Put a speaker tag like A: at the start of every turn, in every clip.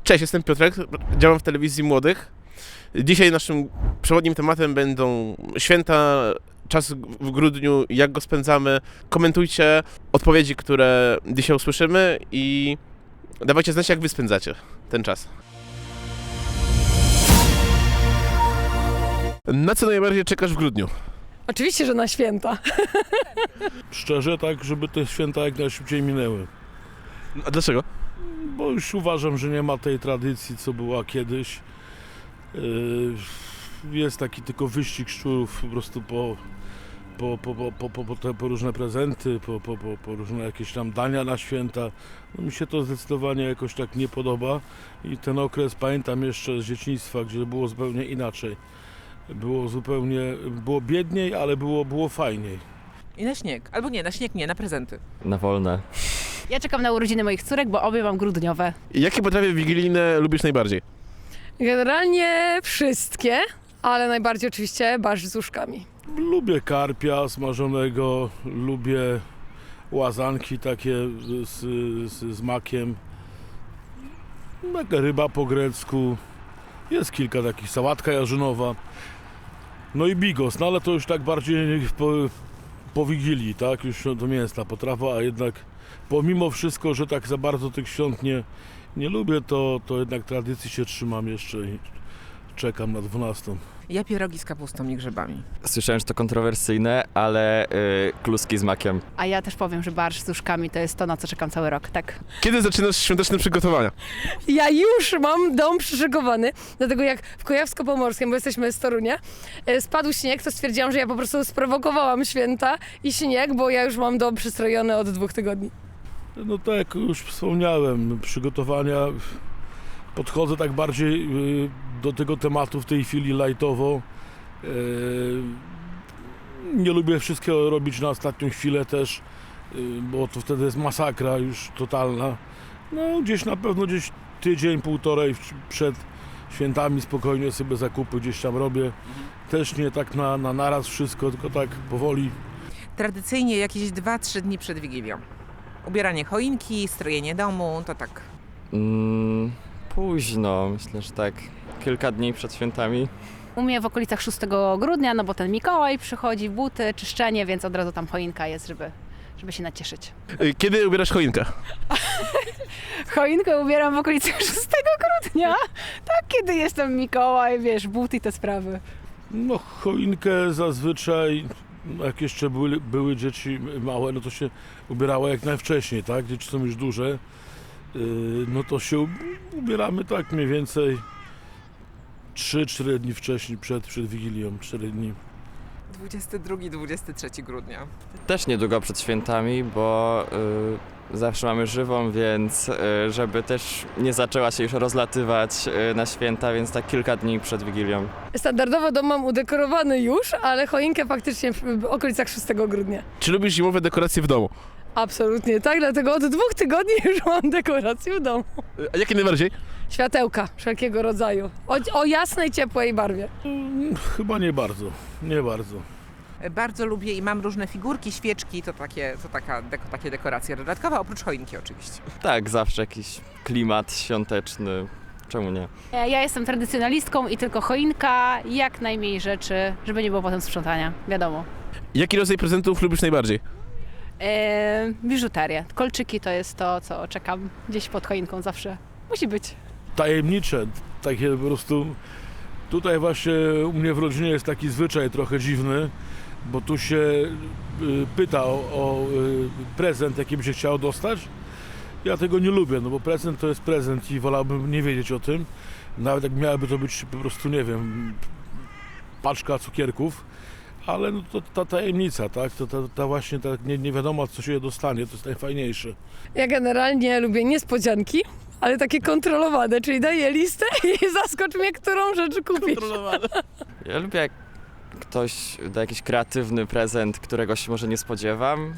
A: Cześć, jestem Piotrek, działam w telewizji Młodych. Dzisiaj naszym przewodnim tematem będą święta, czas w grudniu, jak go spędzamy. Komentujcie odpowiedzi, które dzisiaj usłyszymy i dawajcie znać, jak wy spędzacie ten czas. Na co najbardziej czekasz w grudniu?
B: Oczywiście, że na święta.
C: Szczerze, tak, żeby te święta jak najszybciej minęły.
A: A dlaczego?
C: Bo już uważam, że nie ma tej tradycji, co była kiedyś. Jest taki tylko wyścig szczurów po prostu po różne prezenty, po różne jakieś tam dania na święta. No, mi się to zdecydowanie jakoś tak nie podoba i ten okres pamiętam jeszcze z dzieciństwa, gdzie było zupełnie inaczej. Było biedniej, ale było fajniej.
D: I na śnieg. Albo nie, na śnieg nie, na prezenty.
E: Na wolne.
B: Ja czekam na urodziny moich córek, bo obie mam grudniowe.
A: Jakie potrawy wigilijne lubisz najbardziej?
B: Generalnie wszystkie, ale najbardziej oczywiście barszcz z uszkami.
C: Lubię smażonego, lubię łazanki takie z makiem, taka ryba po grecku, jest kilka takich, sałatka jarzynowa, no i bigos, no ale to już tak bardziej po Wigilii, tak, już to mięsna potrawa, a jednak pomimo wszystko, że tak za bardzo tych świąt nie lubię, to jednak tradycji się trzymam jeszcze i czekam na 12.
D: Ja pierogi z kapustą i grzybami.
E: Słyszałem, że to kontrowersyjne, ale kluski z makiem.
B: A ja też powiem, że barszcz z uszkami to jest to, na co czekam cały rok, tak.
A: Kiedy zaczynasz świąteczne przygotowania?
B: Ja już mam dom przyszykowany, dlatego jak w Kujawsko-Pomorskim, bo jesteśmy z Torunia, spadł śnieg, to stwierdziłam, że ja po prostu sprowokowałam święta i śnieg, bo ja już mam dom przystrojony od 2 tygodni.
C: No tak jak już wspomniałem, przygotowania podchodzę tak bardziej do tego tematu w tej chwili lightowo. Nie lubię wszystkiego robić na ostatnią chwilę też, bo to wtedy jest masakra już totalna. No gdzieś na pewno tydzień, półtorej przed świętami spokojnie sobie zakupy gdzieś tam robię. Też nie tak na naraz wszystko, tylko tak powoli.
D: Tradycyjnie jakieś 2-3 dni przed Wigilią. Ubieranie choinki, strojenie domu, to tak.
E: Późno, myślę, że tak kilka dni przed świętami.
B: U mnie w okolicach 6 grudnia, no bo ten Mikołaj przychodzi, buty, czyszczenie, więc od razu tam choinka jest, żeby się nacieszyć.
A: Kiedy ubierasz choinkę?
B: Choinkę ubieram w okolicach 6 grudnia, tak, kiedy jestem Mikołaj, wiesz, buty i te sprawy.
C: No choinkę zazwyczaj, jak jeszcze były dzieci małe, no to się ubierało jak najwcześniej, tak? Dzieci są już duże, no to się ubieramy tak mniej więcej 3-4 dni wcześniej, przed Wigilią, 4 dni.
D: 22-23 grudnia.
E: Też niedługo przed świętami, bo zawsze mamy żywą, więc żeby też nie zaczęła się już rozlatywać na święta, więc tak kilka dni przed Wigilią.
B: Standardowo dom mam udekorowany już, ale choinkę faktycznie w okolicach 6 grudnia.
A: Czy lubisz zimowe dekoracje w domu?
B: Absolutnie tak, dlatego od 2 tygodni już mam dekorację w domu.
A: A jakie najbardziej?
B: Światełka wszelkiego rodzaju, o jasnej, ciepłej barwie.
C: Chyba nie bardzo.
D: Bardzo lubię i mam różne figurki, świeczki, to takie dekoracje dodatkowe, oprócz choinki oczywiście.
E: Tak, zawsze jakiś klimat świąteczny. Czemu nie?
B: Ja jestem tradycjonalistką i tylko choinka, jak najmniej rzeczy, żeby nie było potem sprzątania, wiadomo.
A: Jaki rodzaj prezentów lubisz najbardziej?
B: Biżuterię. Kolczyki to jest to, co czekam gdzieś pod choinką zawsze. Musi być.
C: Tajemnicze, takie po prostu. Tutaj właśnie u mnie w rodzinie jest taki zwyczaj trochę dziwny, bo tu się pyta o prezent, jaki by się chciało dostać. Ja tego nie lubię, no bo prezent to jest prezent i wolałbym nie wiedzieć o tym. Nawet jak miałaby to być po prostu, nie wiem, paczka cukierków, ale no to ta tajemnica, tak? To właśnie nie wiadomo, co się dostanie, to jest najfajniejsze.
B: Ja generalnie lubię niespodzianki, ale takie kontrolowane, czyli daję listę i zaskocz mnie, którą rzecz kupisz.
E: Ja lubię, jak ktoś da jakiś kreatywny prezent, którego się może nie spodziewam.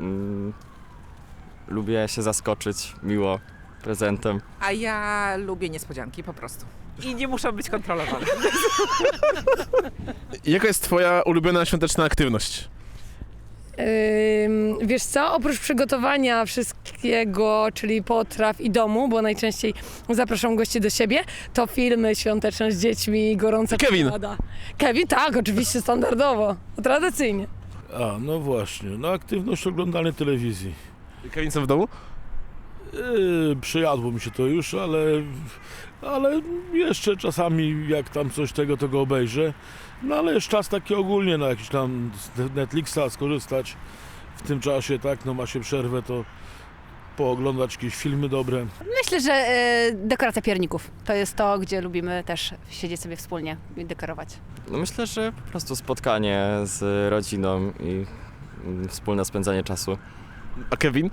E: Lubię się zaskoczyć miło prezentem.
D: A ja lubię niespodzianki po prostu. I nie muszą być kontrolowane.
A: Jaka jest twoja ulubiona świąteczna aktywność?
B: Wiesz co, oprócz przygotowania wszystkiego, czyli potraw i domu, bo najczęściej zapraszam gości do siebie, to filmy świąteczne z dziećmi, gorąca
A: Kevin.
B: czekolada. Kevin, tak, oczywiście standardowo, tradycyjnie.
C: A, no właśnie, no aktywność oglądania telewizji.
A: Kevin, co w domu?
C: Przyjadło mi się to już, ale jeszcze czasami jak tam coś tego, to go obejrzę. No ale jest czas taki ogólnie na jakiś tam z Netflixa skorzystać w tym czasie, tak, no ma się przerwę, to pooglądać jakieś filmy dobre.
F: Myślę, że dekoracja pierników to jest to, gdzie lubimy też siedzieć sobie wspólnie i dekorować.
E: No myślę, że po prostu spotkanie z rodziną i wspólne spędzanie czasu.
A: A Kevin?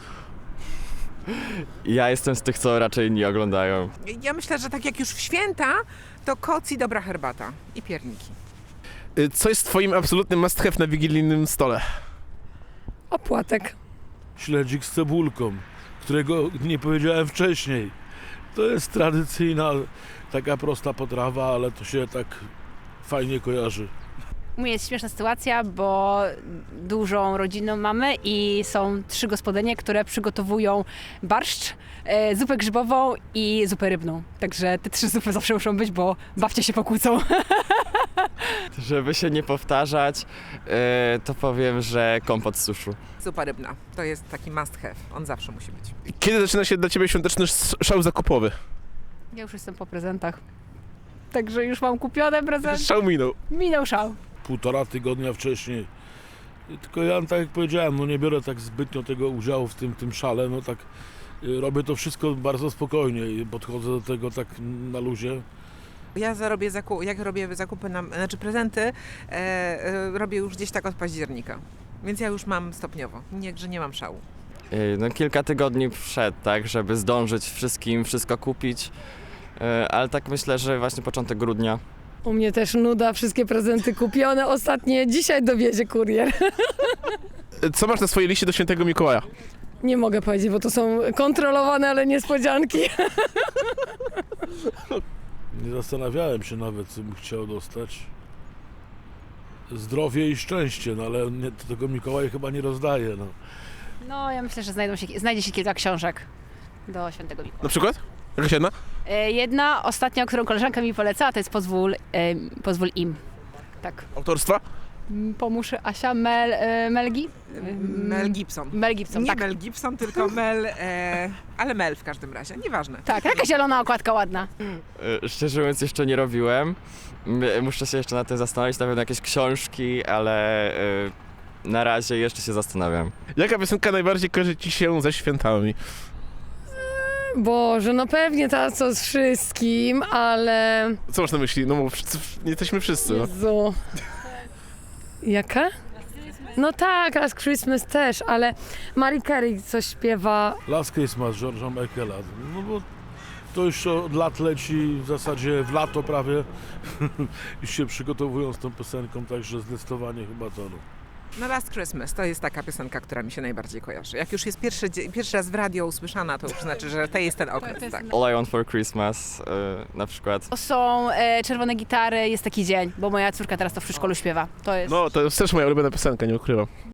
E: Ja jestem z tych, co raczej nie oglądają.
D: Ja myślę, że tak jak już w święta, to koc i dobra herbata i pierniki.
A: Co jest twoim absolutnym must have na wigilijnym stole?
B: Opłatek.
C: Śledzik z cebulką, którego nie powiedziałem wcześniej. To jest tradycyjna, taka prosta potrawa, ale to się tak fajnie kojarzy.
F: U mnie jest śmieszna sytuacja, bo dużą rodzinę mamy i są 3 gospodynie, które przygotowują barszcz, zupę grzybową i zupę rybną. Także te 3 zupy zawsze muszą być, bo babcie się pokłócą.
E: Żeby się nie powtarzać, to powiem, że kompot z suszu.
D: Zupa rybna, to jest taki must have, on zawsze musi być.
A: Kiedy zaczyna się dla ciebie świąteczny szał zakupowy?
F: Ja już jestem po prezentach. Także już mam kupione prezenty.
A: Szał minął.
F: Minął szał.
C: 1,5 tygodnia wcześniej. Tylko ja, tak jak powiedziałem, no nie biorę tak zbytnio tego udziału w tym szale, no tak robię to wszystko bardzo spokojnie i podchodzę do tego tak na luzie.
D: Ja jak robię zakupy, znaczy prezenty, robię już gdzieś tak od października. Więc ja już mam stopniowo, że nie mam szału.
E: No kilka tygodni przed, tak, żeby zdążyć wszystko kupić, ale tak myślę, że właśnie początek grudnia.
B: U mnie też nuda, wszystkie prezenty kupione, ostatnie dzisiaj dowiezie kurier.
A: Co masz na swojej liście do świętego Mikołaja?
B: Nie mogę powiedzieć, bo to są kontrolowane, ale niespodzianki.
C: Nie zastanawiałem się nawet, co bym chciał dostać. Zdrowie i szczęście, no ale tego Mikołaj chyba nie rozdaje. No.
F: No, ja myślę, że znajdzie się kilka książek do świętego Mikołaja.
A: Na przykład? Jakaś jedna?
F: Jedna ostatnia, którą koleżanka mi polecała, to jest Pozwól im. Tak.
A: Autorstwa?
F: Pomóż Asia Melgi?
D: Mel Gibson.
F: Mel Gibson,
D: Nie
F: tak.
D: Mel Gibson, tylko Mel, ale Mel w każdym razie, nieważne.
F: Tak, taka zielona okładka ładna.
E: Szczerze mówiąc jeszcze nie robiłem. Muszę się jeszcze nad tym zastanowić, na pewno jakieś książki, ale na razie jeszcze się zastanawiam.
A: Jaka piosenka najbardziej kojarzy ci się ze świętami?
B: Boże, no pewnie ta co z wszystkim, ale...
A: Co masz na myśli? No bo nie jesteśmy wszyscy. No.
B: Jezu. Jaka? No tak, Last Christmas też, ale Mariah Carey coś śpiewa.
C: Last Christmas George'a Michaela. No bo to już od lat leci, w zasadzie w lato prawie. Już się przygotowują z tą piosenką, także zdecydowanie chyba to. No.
D: No Last Christmas to jest taka piosenka, która mi się najbardziej kojarzy. Jak już jest pierwszy raz w radio usłyszana, to już znaczy, że to jest ten okres, tak.
E: All I Want for Christmas na przykład.
F: To są czerwone gitary, jest taki dzień, bo moja córka teraz to w przedszkolu śpiewa. To jest...
A: No, to jest też moja ulubiona piosenka, nie ukrywam.